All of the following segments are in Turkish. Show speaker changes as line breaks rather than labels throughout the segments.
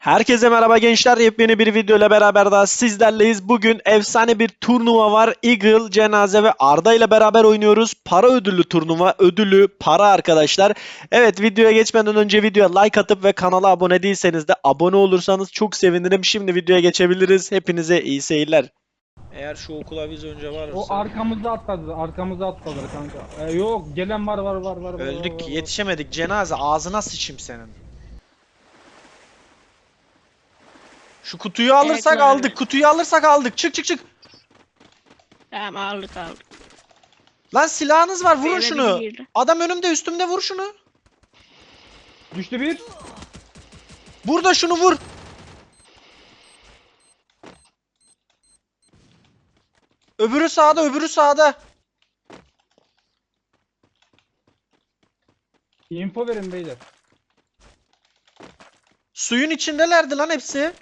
Herkese merhaba gençler. Yepyeni bir video ile beraber daha sizlerleyiz. Bugün efsane bir turnuva var. Eagle, Cenaze ve Arda ile beraber oynuyoruz. Para ödüllü turnuva. Ödülü para arkadaşlar. Evet, videoya geçmeden önce videoya like atıp ve kanala abone değilseniz de abone olursanız çok sevinirim. Şimdi videoya geçebiliriz. Hepinize iyi seyirler. Eğer şu okula biz önce
O
varırsa
arkamızda atladı. Arkamızda atladılar kanka. Yok gelen var.
öldük, yetişemedik. Cenaze, ağzına sıçayım senin. Şu kutuyu alırsak
Evet,
aldık. Kutuyu alırsak aldık. Çık.
Tamam aldık.
Lan silahınız var, vurun
Eve
şunu.
biri girdi.
Adam önümde, üstümde, vur şunu.
Düştü bir.
Burada şunu vur. Öbürü sağda, öbürü sağda.
Info verin beyler.
Suyun içindelerdi lan hepsi.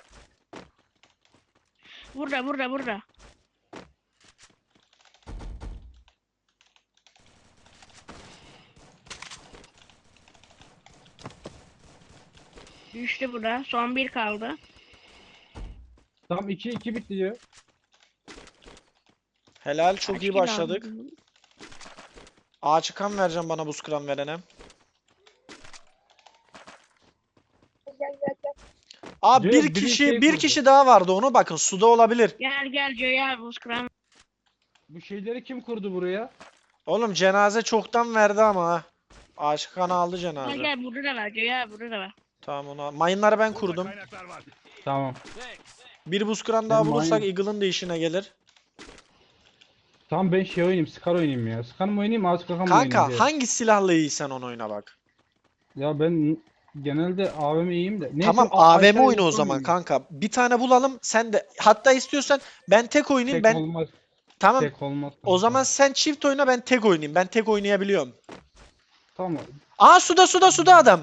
Burada. Düştü burada. Son bir kaldı.
Tam 2-2 bitti diyor.
Helal, çok
Kaç
iyi
kill
başladık.
aldın?
Ağaç kan vereceğim bana, buz kıran verene. Abi
Diyor,
bir
biri
kişi
şey
bir
kurdu.
kişi daha vardı, onu bakın, suda olabilir.
Gel Joya Buzkıran.
Bu şeyleri kim kurdu buraya?
Oğlum cenaze çoktan verdi ama ha. Ağaç kanı aldı cenaze.
Gel burada da var Joya burada da var.
Tamam, onu mayınları ben kurdum.
Tamam.
Bir buz kıran daha
Ben
bulursak
mayın-
Eagle'ın da işine gelir.
Tamam ben şey oynayayım. Scar oynayayım ya. Scar mı oynayayım? Ağaç kakan mı oynayayım
Kanka
diye.
hangi silahla iyiysen onu oyna bak.
Ya ben genelde AVM iyiyim de. Neyse,
Tamam,
aşağıya
AVM oyna o
info
zaman
vereyim.
kanka. Bir tane bulalım sen de. Hatta istiyorsan ben tek oynayayım.
Tek
Ben
olmaz.
tamam.
Tek olmaz.
O zaman sen çift oyna, ben tek oynayayım. Ben tek oynayabiliyorum.
Tamam.
Aa, suda adam.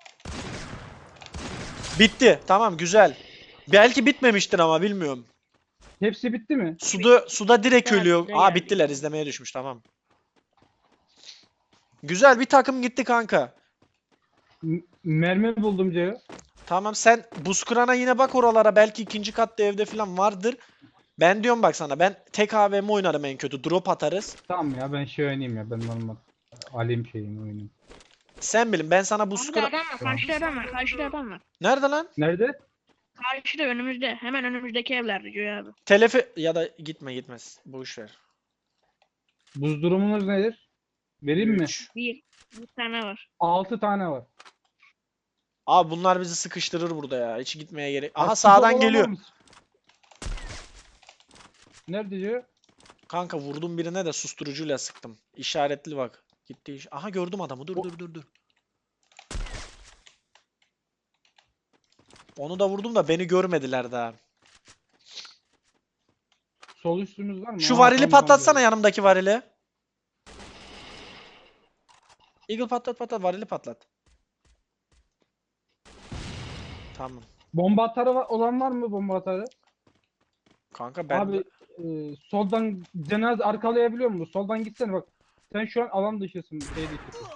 Bitti. Tamam, güzel. Belki bitmemiştir ama bilmiyorum.
Hepsi bitti mi?
Suda direkt
Evet,
ölüyor.
bize
Aa,
geldi.
bittiler, izlemeye düşmüş, tamam. Güzel, bir takım gitti kanka.
Mermi buldum diyor.
Tamam, sen buz kırana yine bak oralara, belki ikinci katta evde falan vardır. Ben diyorum bak sana, ben tek AVM oynarım en kötü. Drop atarız.
Tamam ya ben şey oynayayım ya. Ben normal. Alayım şeyini oynayayım.
Sen bilin, ben sana buz
Burada
kıra...
adam var. Karşıda adam var.
Nerede lan?
Nerede?
Karşıda önümüzde. Hemen önümüzdeki evlerde Joya abi.
Telefi ya da gitmez. Boş ver.
Buz durumunuz nedir? Vereyim mi?
3.
Bir tane var.
6 tane var.
Abi bunlar bizi sıkıştırır burada ya. Hiç gitmeye gerek. Aha,
Ya,
sağdan
futbol
geliyor.
olamaz. Nerede diyor?
Kanka vurdum birine de susturucuyla sıktım. İşaretli bak. Gitti. Aha, gördüm adamı. Dur. Onu da vurdum da beni görmediler daha.
Sol üstümüz var mı?
Şu
Aa,
varili
tamam,
patlatsana,
tamam.
yanımdaki varili. Eagle patlat, varili patlat. Tamam.
Bomba atarı olan var mı bomba atarı?
Kanka ben
Abi soldan cenaze arkalayabiliyor musun? Soldan gitsene bak. Sen şu an alan dışısın. Şey dışısın.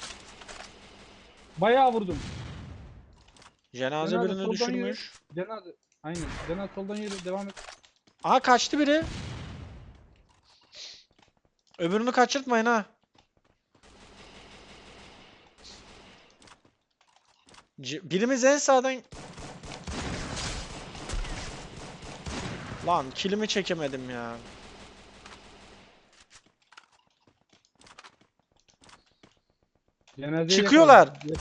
Bayağı vurdum.
cenaze
Cenaze
birini
soldan
düşürmüş.
Cenaze. Aynen. Cenaze soldan yürü. Devam et.
Aha, kaçtı biri. Öbürünü kaçırtmayın ha. Birimiz en sağdan... Lan kilimi çekemedim ya.
Cenazeyi
Çıkıyorlar.
yakaladım.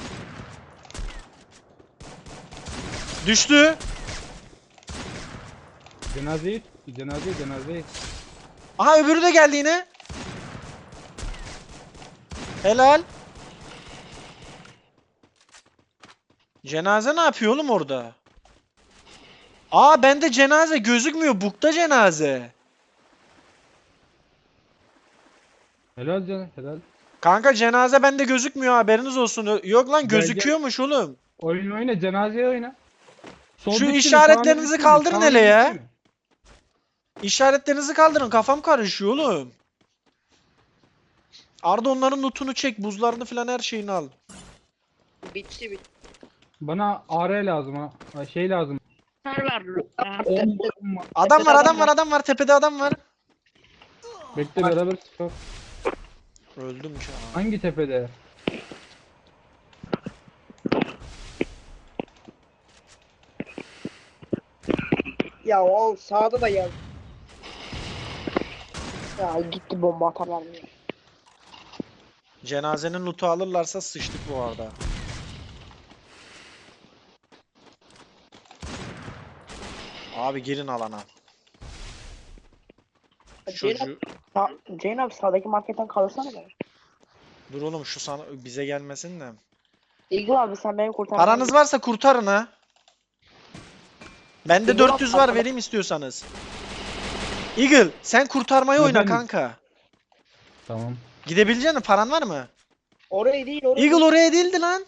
Düştü.
Cenazeyi.
Aha, öbürü de geldi yine. Helal. Cenaze ne yapıyor oğlum orada? Aa, bende cenaze gözükmüyor. Bukta cenaze.
Helal.
Kanka cenaze bende gözükmüyor, haberiniz olsun. Yok lan,
Gel.
gözüküyormuş oğlum.
Oyna. Cenazeyi oyna. Sol
Şu
bitti mi?
işaretlerinizi
Sağ bitti mi?
kaldırın
Sağ
hele ya.
bitti mi?
İşaretlerinizi kaldırın, kafam karışıyor oğlum. Arda, onların lootunu çek. Buzlarını falan, her şeyini al.
Bitti.
Bana AR lazım ha. Şey lazım.
Kar var. Ya.
Adam var, adam var, adam var. Tepede adam var.
Bekle beraber sıkar.
Öldüm şu an.
Hangi tepede?
Ya o sağda da yaz. Ya gitti bomba atarlar mı ya?
Cenazenin loot'u alırlarsa sıçtık bu arada. Abi girin alana. Çocuğu...
Ceyn abi sağdaki marketten kalırsana be.
Dur oğlum şu sana bize gelmesin de.
Eagle abi sen beni kurtar.
Paranız varsa kurtarın ha. Bende
Eagle
400 var,
arkada.
vereyim istiyorsanız. Eagle sen kurtarmayı oyna
Efendim?
kanka.
Tamam.
Gidebilecek misin? Paran var mı?
Oraya değil oraya.
Eagle oraya değildi lan.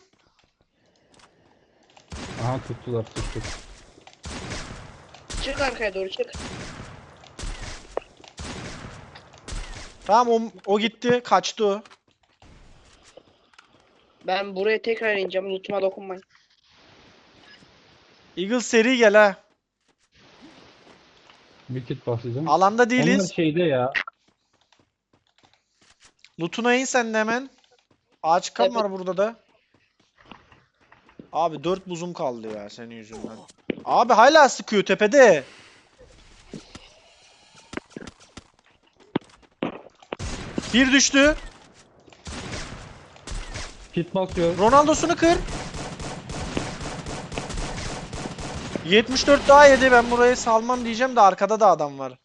Aha tuttular tuttuk.
Çık arkaya doğru çık.
Tamam o gitti. Kaçtı o.
Ben buraya tekrar ineceğim. Loot'uma dokunmayın.
Eagle seri gel ha.
Bir kit basacağım.
Alanda
Onlar
değiliz.
şeyde ya.
Loot'una in sen de hemen. Ağaç kan
Evet.
var burada da. Abi 4 buzum kaldı ya senin yüzünden. Abi hala sıkıyor tepede. Bir düştü.
Kit basıyor.
Ronaldo'sunu kır. 74 daha yedi. Ben burayı salmam diyeceğim de arkada da adam var.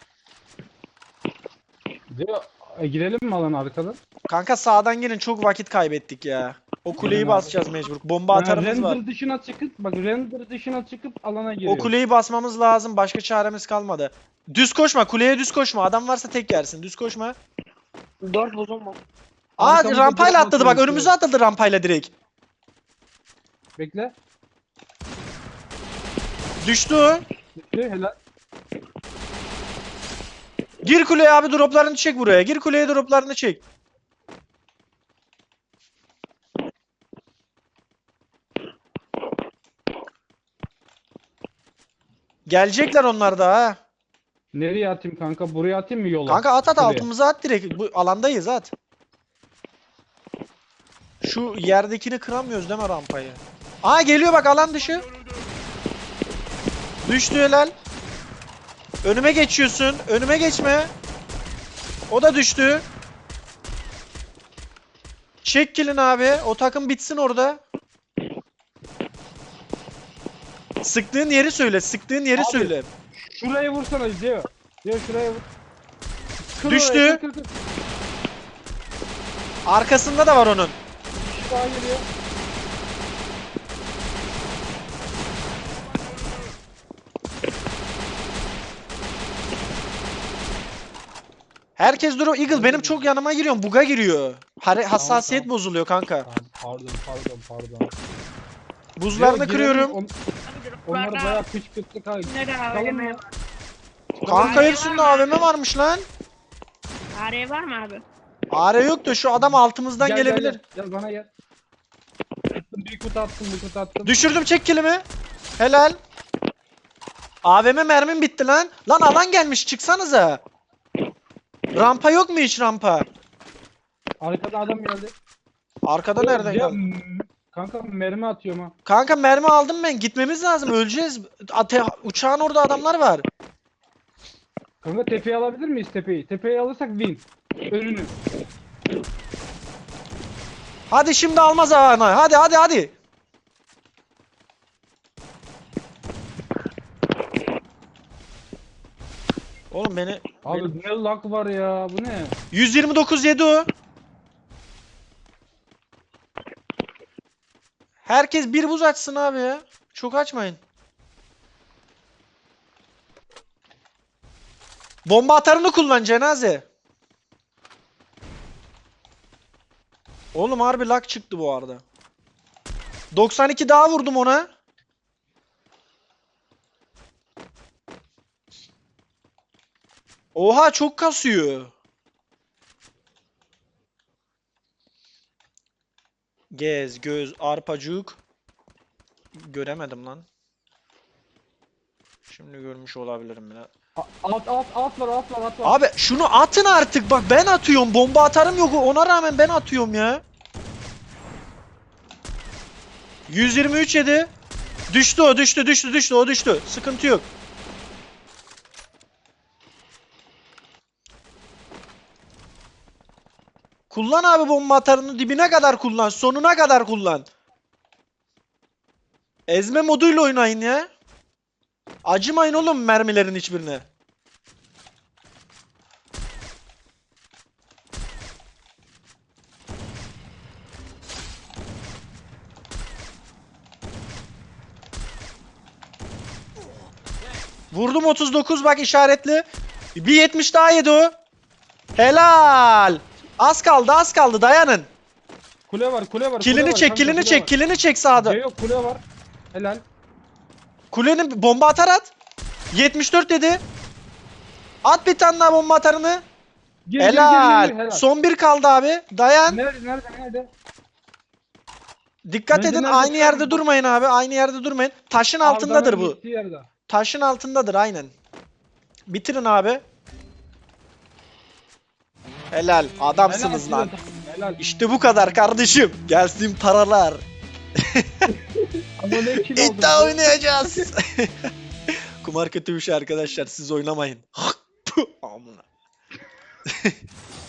Diyor, girelim mi alan arkadan?
Kanka sağdan gelin, çok vakit kaybettik ya. O kuleyi
Gelin abi.
basacağız mecbur. Bomba atarımız var.
Render dışına çıkıp bak render dışına çıkıp alana giriyor.
O kuleyi basmamız lazım. Başka çaremiz kalmadı. Düz koşma. Kuleye düz koşma. Adam varsa tek yersin. Düz koşma.
4 buzum var.
Aa
Arkamızda
rampayla
direkt
atladı bak.
atıyor.
Önümüze atladı rampayla direkt.
Bekle.
Düştü o.
Bekle helal.
Gir kuleye abi, droplarını çek buraya. Gir kuleye, droplarını çek. Gelecekler onlar da ha.
Nereye atayım kanka? Buraya atayım mı yola?
Kanka at
Şuraya.
altımıza at direkt. Bu alandayız at. Şu yerdekini kıramıyoruz değil mi rampayı? Aa geliyor bak, alan dışı. Düştü helal. Önüme geçiyorsun. Önüme geçme. O da düştü. Çek kill'ini abi. O takım bitsin orada. Sıktığın yeri söyle. Sıktığın yeri
Abi.
söyle.
Şuraya vursana diyor. Diyor şuraya vur. Kır
Düştü.
oraya, kır, kır, kır.
Arkasında da var onun.
Bir kişi daha geliyor.
Herkes duruyor. Eagle benim çok yanıma giriyor. Buga giriyor. Hassasiyet
Tamam.
bozuluyor kanka.
Tamam, pardon.
Buzlarını
Diyor,
kırıyorum.
girelim,
Abi
Onları
droplarda
bayağı kışkırttık ha.
neden
Çıkalım
AVM
mı?
var?
Kanka hepsinde AVM varmış lan.
AR var mı abi?
AR yok da şu adam altımızdan
Gel,
gelebilir.
Gel bana gel. Attım bir kutu attım.
Düşürdüm, çek kilimi. Helal. AVM mermim bitti lan. Lan alan gelmiş, çıksanıza. Rampa yok mu hiç rampa?
Arkada adam geldi.
Arkada nereden
Ya,
geldi?
kanka mermi atıyorum ha.
Kanka mermi aldım ben. Gitmemiz lazım. Öleceğiz. Uçağın orada adamlar var.
Kanka tepeyi alabilir miyiz tepeyi? Tepeyi alırsak win. Önünü.
Hadi şimdi almaz ana. Hadi. Oğlum beni
Abi ne lag var ya bu ne?
129 yedi o. Herkes bir buz açsın abi ya. Çok açmayın. Bomba atarını kullan cenaze. Oğlum harbi lag çıktı bu arada. 92 daha vurdum ona. Oha çok kasıyor. Gez, göz, arpacık. göremedim lan. Şimdi görmüş olabilirim biraz.
Alt var.
Abi şunu atın artık, bak ben atıyorum, bomba atarım yok, ona rağmen ben atıyorum ya. 123 yedi. Düştü o, düştü. Sıkıntı yok. Kullan abi bomba atarını, dibine kadar kullan, sonuna kadar kullan. Ezme moduyla oynayın ya. Acımayın oğlum mermilerin hiçbirine. Vurdum 39, bak işaretli. Bir 70 daha yedi o. Helal. Az kaldı dayanın.
Kule var.
Kilini çek, kilini çek sağda.
Yok, kule var. Helal.
Kulenin bomba atar at. 74 dedi. At bir tane daha bomba atarını.
Gir,
Helal.
helal.
Son bir kaldı abi. Dayan.
Nerede?
Dikkat
Nerede,
edin,
nerede?
aynı yerde durmayın abi. Aynı yerde durmayın. Taşın altındadır
Arda'nın
bu.
gittiği yerde.
Taşın altındadır aynen. Bitirin abi. Helal. Adamsınız
Helal,
lan.
Helal.
İşte bu kadar kardeşim. Gelsin paralar.
Ama ne kill oldu?
İddia oynayacağız. Kumar kötü bir şey arkadaşlar. Siz oynamayın. Amına.